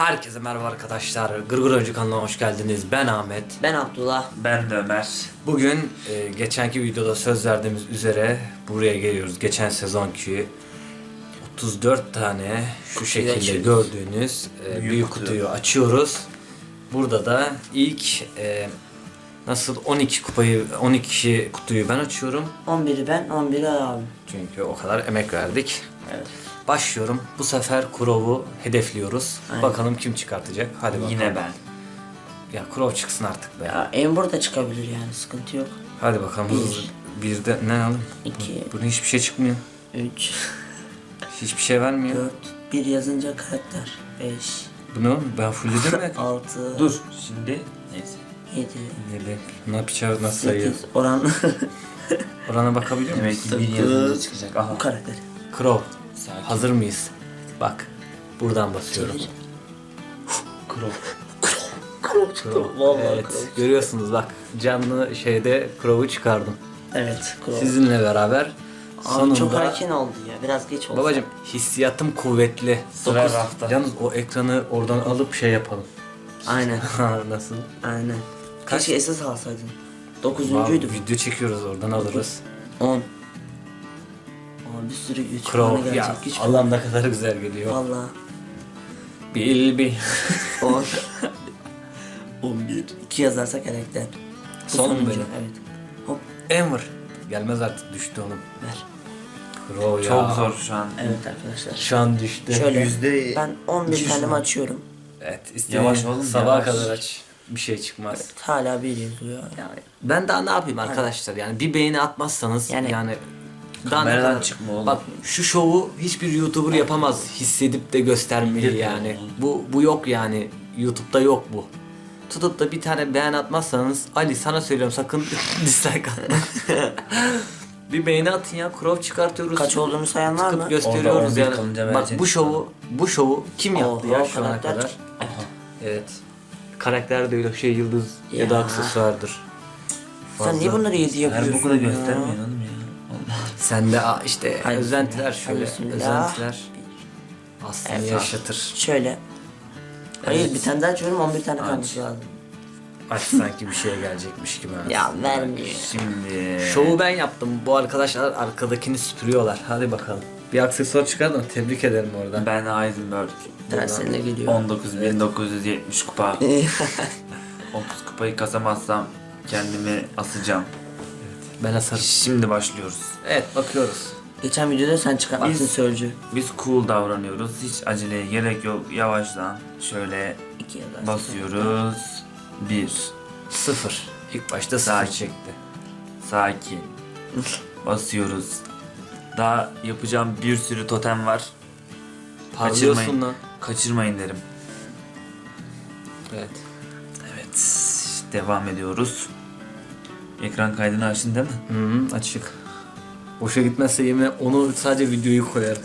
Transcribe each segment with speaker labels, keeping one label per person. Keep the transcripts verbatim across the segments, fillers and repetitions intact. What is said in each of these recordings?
Speaker 1: Herkese merhaba arkadaşlar. Gırgır Oyuncu kanalına hoş geldiniz. Ben Ahmet.
Speaker 2: Ben Abdullah.
Speaker 3: Ben de Ömer.
Speaker 1: Bugün e, geçenki videoda söz verdiğimiz üzere buraya geliyoruz. Geçen sezonki otuz dört tane şu şekilde
Speaker 2: açıyoruz.
Speaker 1: gördüğünüz e,
Speaker 3: Büyük
Speaker 1: büyük
Speaker 3: kutu.
Speaker 1: kutuyu açıyoruz. Burada da ilk e, nasıl on iki kupayı on iki kutuyu ben açıyorum.
Speaker 2: on biri ben, on biri abi.
Speaker 1: Çünkü o kadar emek verdik.
Speaker 2: Evet.
Speaker 1: Başlıyorum. Bu sefer Kurov'u hedefliyoruz.
Speaker 2: Aynen.
Speaker 1: Bakalım kim çıkartacak. Hadi bakalım.
Speaker 3: Yine ben.
Speaker 1: Ya Kurov çıksın artık be.
Speaker 2: Ya Ember da çıkabilir yani, sıkıntı yok.
Speaker 1: Hadi bakalım.
Speaker 2: Bir.
Speaker 1: hızlı. Bir de ne alalım?
Speaker 2: İki.
Speaker 1: Bunun hiçbir şey çıkmıyor.
Speaker 2: üç,
Speaker 1: Hiçbir şey vermiyor.
Speaker 2: dört, bir yazınca karakter. beş,
Speaker 1: Bu ne oğlum? Ben fullledim mi?
Speaker 2: altı,
Speaker 3: Dur şimdi. Neyse.
Speaker 2: yedi,
Speaker 1: Yedi. Ne yapacağız? Nasıl sayıyor?
Speaker 2: sekiz. Oran
Speaker 1: Orana bakabiliyor
Speaker 3: Demek
Speaker 1: musun?
Speaker 3: ki bir yazınca çıkacak. Aha.
Speaker 2: bu karakter.
Speaker 1: Kurov.
Speaker 3: Sakin.
Speaker 1: Hazır mıyız? Bak. Buradan basıyorum.
Speaker 2: Çevir.
Speaker 1: Kurov.
Speaker 2: Krov çıktı.
Speaker 1: Kurov.
Speaker 2: Vallahi
Speaker 1: Evet.
Speaker 2: Krov.
Speaker 1: Görüyorsunuz bak. Canlı şeyde Kurov'u çıkardım.
Speaker 2: Evet, Krov.
Speaker 1: Sizinle beraber
Speaker 2: Abi
Speaker 1: sonunda...
Speaker 2: çok erken oldu ya, biraz geç oldu.
Speaker 1: Babacım hissiyatım kuvvetli.
Speaker 3: Sıra
Speaker 1: Dokuz-
Speaker 3: rafta.
Speaker 1: Yalnız o ekranı oradan alıp şey yapalım.
Speaker 2: Aynen,
Speaker 1: Nasıl?
Speaker 2: aynen.
Speaker 1: Kaç?
Speaker 2: Keşke esas alsaydın.
Speaker 1: Vallahi
Speaker 2: Dokuzuncuydu.
Speaker 1: video çekiyoruz oradan alırız.
Speaker 2: on. Aa, bir sürü güç puanı
Speaker 1: Crow
Speaker 2: gelecek.
Speaker 1: ya
Speaker 2: Güç
Speaker 1: Allah'ım ne kadar güzel geliyor.
Speaker 2: Valla.
Speaker 1: Bil bil.
Speaker 2: on. on bir. iki yazarsak karakter. Bu
Speaker 1: Son
Speaker 2: sonuncu,
Speaker 1: böyle.
Speaker 2: Evet. Hop
Speaker 1: Ember. Gelmez artık düştü oğlum.
Speaker 2: ver.
Speaker 1: Crow ya.
Speaker 3: Çok zor şu an.
Speaker 2: Evet arkadaşlar.
Speaker 1: Şu an düştü.
Speaker 2: Şöyle
Speaker 3: yüzde
Speaker 2: ben on bir
Speaker 3: iki
Speaker 2: tane
Speaker 3: şu an.
Speaker 2: açıyorum.
Speaker 1: Evet istediğin
Speaker 3: Yavaş oğlum,
Speaker 1: sabaha
Speaker 3: yavaş.
Speaker 1: kadar aç. Bir şey çıkmaz.
Speaker 2: Evet, hala bir yazıyor.
Speaker 1: Yani ben daha ne yapayım arkadaşlar yani bir beğeni atmazsanız yani,
Speaker 2: Yani-
Speaker 1: daha ne
Speaker 3: Kameradan
Speaker 1: kadar-
Speaker 3: çıkma oğlum.
Speaker 1: Bak şu şovu hiçbir YouTuber yapamaz hissedip de göstermeyi
Speaker 3: İndir
Speaker 1: yani.
Speaker 3: oğlum.
Speaker 1: Bu bu yok yani. YouTube'da yok bu. Tutup da bir tane beğen atmazsanız Ali sana söylüyorum sakın dislike atma. Bir beğeni atın ya. Crow çıkartıyoruz.
Speaker 2: Kaç olduğunu sayan var
Speaker 1: Tıkıp
Speaker 2: mı?
Speaker 1: gösteriyoruz
Speaker 3: Orada on bir
Speaker 1: yani.
Speaker 3: kalınca
Speaker 1: Bak
Speaker 3: vereceksin
Speaker 1: bu şovu bu şovu kim yaptı
Speaker 2: Oha,
Speaker 1: ya şu ana
Speaker 2: karakter.
Speaker 1: kadar? Evet. Karakter de öyle şey yıldız ya,
Speaker 2: Ya.
Speaker 1: da aksesuardır.
Speaker 2: Sen niye
Speaker 1: Fazla.
Speaker 2: bunları yedi yapıyorsun?
Speaker 3: Her bu kadar
Speaker 2: ya?
Speaker 3: göstermeyin oğlum ya. Allah.
Speaker 1: Sen de aa, işte
Speaker 2: Hadi
Speaker 1: özentiler
Speaker 2: bismillah,
Speaker 1: şöyle.
Speaker 2: hadi bismillah.
Speaker 1: Özentiler aslında
Speaker 2: Evet.
Speaker 1: yaşatır.
Speaker 2: Şöyle. Hayır
Speaker 1: Evet.
Speaker 2: bir tane daha açıyorum, on bir tane
Speaker 3: Aç.
Speaker 2: kalmış lazım.
Speaker 1: Aç sanki bir şeye gelecekmiş gibi. ha.
Speaker 2: Ya vermiyor.
Speaker 3: Şimdi.
Speaker 1: Şovu ben yaptım. Bu arkadaşlar arkadakini süpürüyorlar. Hadi bakalım. Bir aksesuar çıkardın. Tebrik ederim orada.
Speaker 3: Ben Heisenberg.
Speaker 2: Tersine geliyor.
Speaker 3: on dokuz bin dokuz yüz yetmiş kupa. otuz kupayı kasamazsam kendimi asacağım.
Speaker 1: Ben asarım.
Speaker 3: Şimdi başlıyoruz.
Speaker 1: Evet bakıyoruz.
Speaker 2: Geçen videoda sen çıkartmışsın
Speaker 3: Biz-
Speaker 2: sözcü.
Speaker 3: Biz cool davranıyoruz. Hiç aceleye gerek yok. Yavaştan şöyle
Speaker 2: İki yazarsın.
Speaker 3: basıyoruz. Bir.
Speaker 1: Sıfır. İlk başta sıfır
Speaker 3: Sakin.
Speaker 1: çekti.
Speaker 3: Sakin. Basıyoruz. Daha yapacağım bir sürü totem var.
Speaker 1: Parlıyorsun
Speaker 3: Kaçırmayın.
Speaker 1: lan.
Speaker 3: Kaçırmayın derim.
Speaker 1: Evet.
Speaker 3: Evet. Devam ediyoruz. Ekran kaydını açtın değil mi?
Speaker 1: Hı hı, açık. Boşa gitmezse yemin onu sadece videoyu koyarım.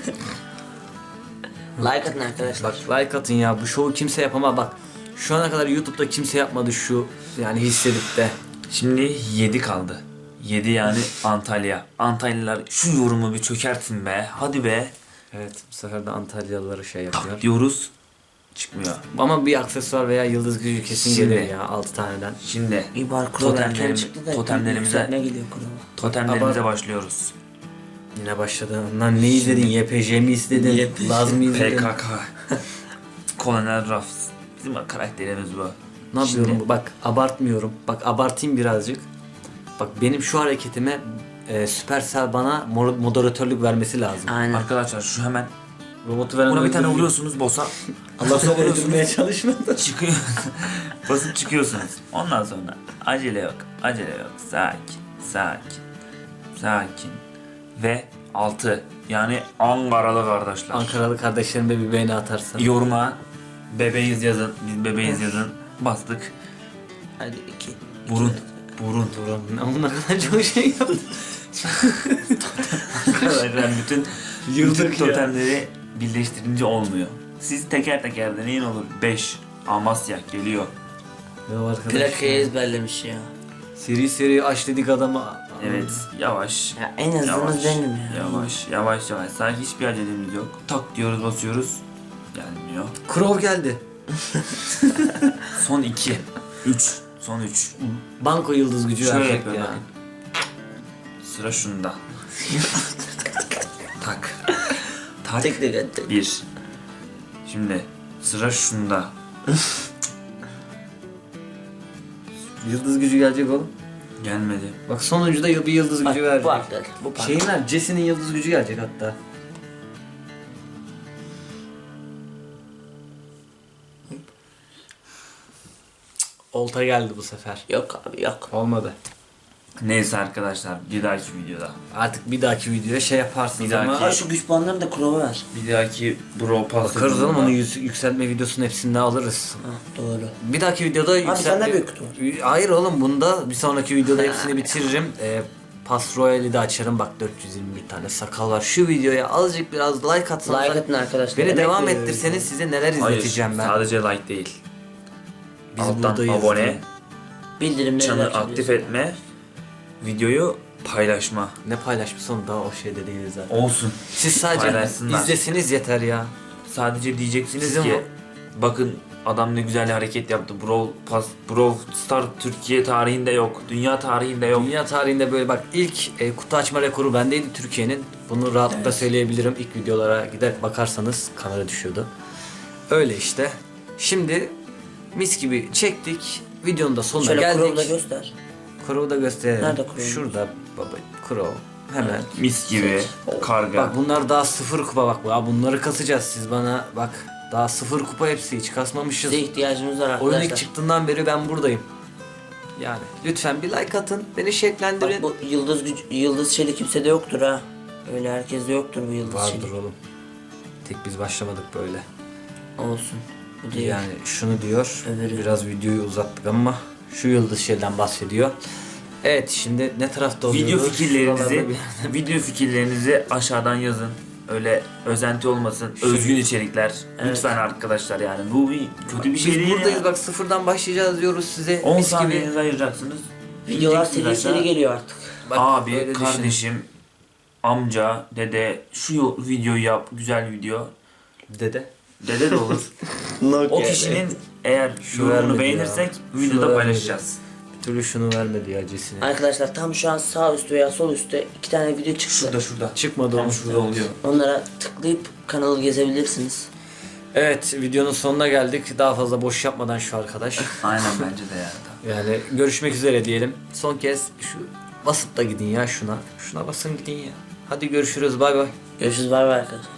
Speaker 2: Like atın arkadaşlar.
Speaker 1: Bak like atın ya bu şovu kimse yapamaz bak. Şu ana kadar YouTube'da kimse yapmadı şu yani hissedip de.
Speaker 3: Şimdi yedi kaldı. yedi yani Antalya. Antalyalılar şu yorumu bir çökertin be. Hadi be.
Speaker 1: Evet bu sefer de Antalyalıları şey yapıyor.
Speaker 3: Tak diyoruz. Çıkmıyor.
Speaker 1: Ama bir aksesuar veya yıldız gücü kesin
Speaker 3: Şimdi.
Speaker 1: gelir ya altı taneden.
Speaker 3: Şimdi
Speaker 2: İbar kuru erken
Speaker 3: totemlerim,
Speaker 2: çıktı da
Speaker 3: totemlerimize
Speaker 2: ne geliyor kuruma?
Speaker 3: totemlerimize
Speaker 1: Ama-
Speaker 3: başlıyoruz.
Speaker 1: Yine başladı. Lan ne izledin? Y P J mi izledin? Laz mı izledin?
Speaker 3: P K K. Colonel Ruffs. Bizim karakterimiz bu.
Speaker 1: Ne yapıyorum?
Speaker 3: Şimdi-
Speaker 1: Bak abartmıyorum. Bak abartayım birazcık. Bak benim şu hareketime e, Supercell bana mo- moderatörlük vermesi lazım.
Speaker 2: Aynen.
Speaker 3: Arkadaşlar şu hemen
Speaker 1: Robotu veren
Speaker 3: buna bir tane
Speaker 1: öldürüyor.
Speaker 3: vuruyorsunuz boss'a.
Speaker 1: Allah sonra öldürmeye çalışmadı.
Speaker 3: Çıkıyor. Basıp çıkıyorsunuz. Ondan sonra acele yok. Acele yok. Sakin. Sakin. Sakin. Ve altı. Yani Ankaralı kardeşler.
Speaker 1: Ankaralı kardeşlerime bir beğeni atarsan.
Speaker 3: Yoruma bebeğiz yazın. Biz bebeğiz yazın. Bastık.
Speaker 2: Hadi iki.
Speaker 3: Burun. Burun.
Speaker 1: Durun. Onunla kadar çok şey yaptım.
Speaker 3: Arkadaşlar bütün
Speaker 1: Yıldık
Speaker 3: bütün
Speaker 1: ya.
Speaker 3: totemleri birleştirince olmuyor. Siz teker teker deneyin olur. beş. Amasya geliyor.
Speaker 1: Ya arkadaş.
Speaker 2: Plakayı ezberlemiş ya.
Speaker 1: Seri seri aç dedik adama.
Speaker 3: Evet. Yavaş.
Speaker 2: Ya en hızlımız benim ya.
Speaker 3: Yavaş. Yavaş yavaş. Sanki hiçbir acelemiz yok. Tak diyoruz basıyoruz. Gelmiyor. gelmiyor.
Speaker 1: Krov geldi.
Speaker 3: Son iki. Üç. Son üç.
Speaker 1: Banko yıldız gücü
Speaker 3: Şöyle
Speaker 1: verecek
Speaker 3: yapıyor
Speaker 1: ya.
Speaker 3: bakın. Sıra şunda. Tak. Tak.
Speaker 2: Tek tek tek.
Speaker 3: Bir. Şimdi sıra şunda.
Speaker 1: Yıldız gücü gelecek oğlum.
Speaker 3: Gelmedi.
Speaker 1: Bak sonuncuda bir yıldız
Speaker 2: Bak,
Speaker 1: gücü
Speaker 2: bu
Speaker 1: verecek.
Speaker 2: arkadaş. Bu park.
Speaker 1: Şeyin ver, Jesse'nin yıldız gücü gelecek hatta. Olta geldi bu sefer.
Speaker 2: Yok abi yok.
Speaker 1: Olmadı.
Speaker 3: Neyse arkadaşlar bir dahaki videoda.
Speaker 1: Artık bir dahaki videoya şey yaparsınız
Speaker 3: Bir dahaki-
Speaker 1: ama...
Speaker 2: Ha şu güç puanlarını da Crow'a ver.
Speaker 3: Bir dahaki Bro Pass
Speaker 1: Bakarız oğlum
Speaker 3: videoda-
Speaker 1: onu yüz- yükseltme videosunun hepsini de alırız.
Speaker 2: Ha doğru.
Speaker 1: Bir dahaki videoda yükseltme...
Speaker 2: sende büyük kutu var.
Speaker 1: Hayır oğlum bunda bir sonraki videoda hepsini bitiririm. Ee, Pass Royale'i de açarım. Bak dört yüz yirmi bir tane sakal var. Şu videoya azıcık biraz like atsanız.
Speaker 2: Like atın arkadaşlar.
Speaker 1: Beni
Speaker 2: Emek
Speaker 1: devam
Speaker 2: veriyoruz.
Speaker 1: ettirseniz size neler
Speaker 3: Hayır,
Speaker 1: izleteceğim ben.
Speaker 3: sadece like değil.
Speaker 1: Biz
Speaker 3: Alttan
Speaker 1: buradayız
Speaker 3: abone,
Speaker 1: diye.
Speaker 2: Bildirimleri
Speaker 3: çanı
Speaker 2: de
Speaker 3: aktif
Speaker 2: açabiliyorsun.
Speaker 3: etme, videoyu paylaşma.
Speaker 1: Ne paylaşmış oğlum daha o şeyde değiliz zaten.
Speaker 3: Olsun.
Speaker 1: Siz sadece
Speaker 3: Paylaşsınlar.
Speaker 1: izlesiniz yeter ya.
Speaker 3: Sadece diyeceksiniz
Speaker 1: Sizin
Speaker 3: ki
Speaker 1: bu-
Speaker 3: bakın adam ne güzel hareket yaptı. Brawl Pass, Brawl Star Türkiye tarihinde yok. Dünya tarihinde yok.
Speaker 1: Dünya tarihinde böyle bak ilk e, kutu açma rekoru bendeydi Türkiye'nin. Bunu rahatlıkla söyleyebilirim. İlk videolara gider bakarsanız kamera düşüyordu. Öyle işte. Şimdi mis gibi çektik. Videonun da sonuna
Speaker 2: Şöyle Crow'u da
Speaker 1: geldik.
Speaker 2: göster.
Speaker 1: Crow'u da gösterelim.
Speaker 2: Nerede Crow?
Speaker 1: Şurada baba Crow. Hemen.
Speaker 3: Mis gibi karga.
Speaker 1: Bak bunlar daha sıfır kupa bak. Ya bunları kasacağız siz bana bak. Daha sıfır kupa hepsi hiç kasmamışız.
Speaker 2: Size ihtiyacımız var
Speaker 1: Oyun ilk
Speaker 2: arkadaşlar.
Speaker 1: çıktığından beri ben buradayım. Yani lütfen bir like atın. Beni şevklendirin.
Speaker 2: Bak bu yıldız güç, yıldız şeyli kimsede yoktur ha. Öyle herkeste yoktur bu yıldız
Speaker 1: Vardır
Speaker 2: şeyli.
Speaker 1: oğlum. Tek biz başlamadık böyle.
Speaker 2: Olsun. Bu değil.
Speaker 1: Yani şunu diyor.
Speaker 2: Öbürü.
Speaker 1: Biraz videoyu uzattık ama şu yıldız şeyden bahsediyor. Evet şimdi ne tarafta oluyoruz?
Speaker 3: Video fikirlerinizi,
Speaker 1: Şuralarda bir-
Speaker 3: video fikirlerinizi aşağıdan yazın. Öyle özenti olmasın. Özgün içerikler. Lütfen arkadaşlar yani. Bu bir kötü bir şey
Speaker 1: Biz
Speaker 3: değil
Speaker 1: buradayız
Speaker 3: ya.
Speaker 1: bak sıfırdan başlayacağız diyoruz size.
Speaker 3: on
Speaker 1: Mis gibi.
Speaker 3: saniyenizi ayıracaksınız.
Speaker 2: Videolar
Speaker 3: Gideceksiniz
Speaker 2: seri
Speaker 3: aşağı.
Speaker 2: seri geliyor artık.
Speaker 1: Bak,
Speaker 3: Abi,
Speaker 1: öyle düşünün.
Speaker 3: kardeşim, amca, dede şu videoyu yap. Güzel video.
Speaker 1: Dede.
Speaker 3: Dede de olur. O kişinin eğer
Speaker 1: Şu
Speaker 3: yorumunu
Speaker 1: vermedi
Speaker 3: beğenirsek
Speaker 1: ya. Şu
Speaker 3: videoda
Speaker 1: vermedi.
Speaker 3: paylaşacağız.
Speaker 1: Bir türlü şunu vermedi ya Jesse'ne.
Speaker 2: Arkadaşlar tam şu an sağ üstte veya sol üstte iki tane video çıktı.
Speaker 3: Şurada şurada.
Speaker 1: Çıkmadı
Speaker 3: Tam
Speaker 1: onun.
Speaker 3: şurada oluyor.
Speaker 2: Onlara tıklayıp kanalı gezebilirsiniz.
Speaker 1: Evet videonun sonuna geldik. Daha fazla boş yapmadan şu arkadaş.
Speaker 3: Aynen bence de yani.
Speaker 1: Yani görüşmek üzere diyelim. Son kez şu basıp da gidin ya şuna. Şuna basın gidin ya. Hadi görüşürüz bay bay.
Speaker 2: Görüşürüz bay bay arkadaşlar.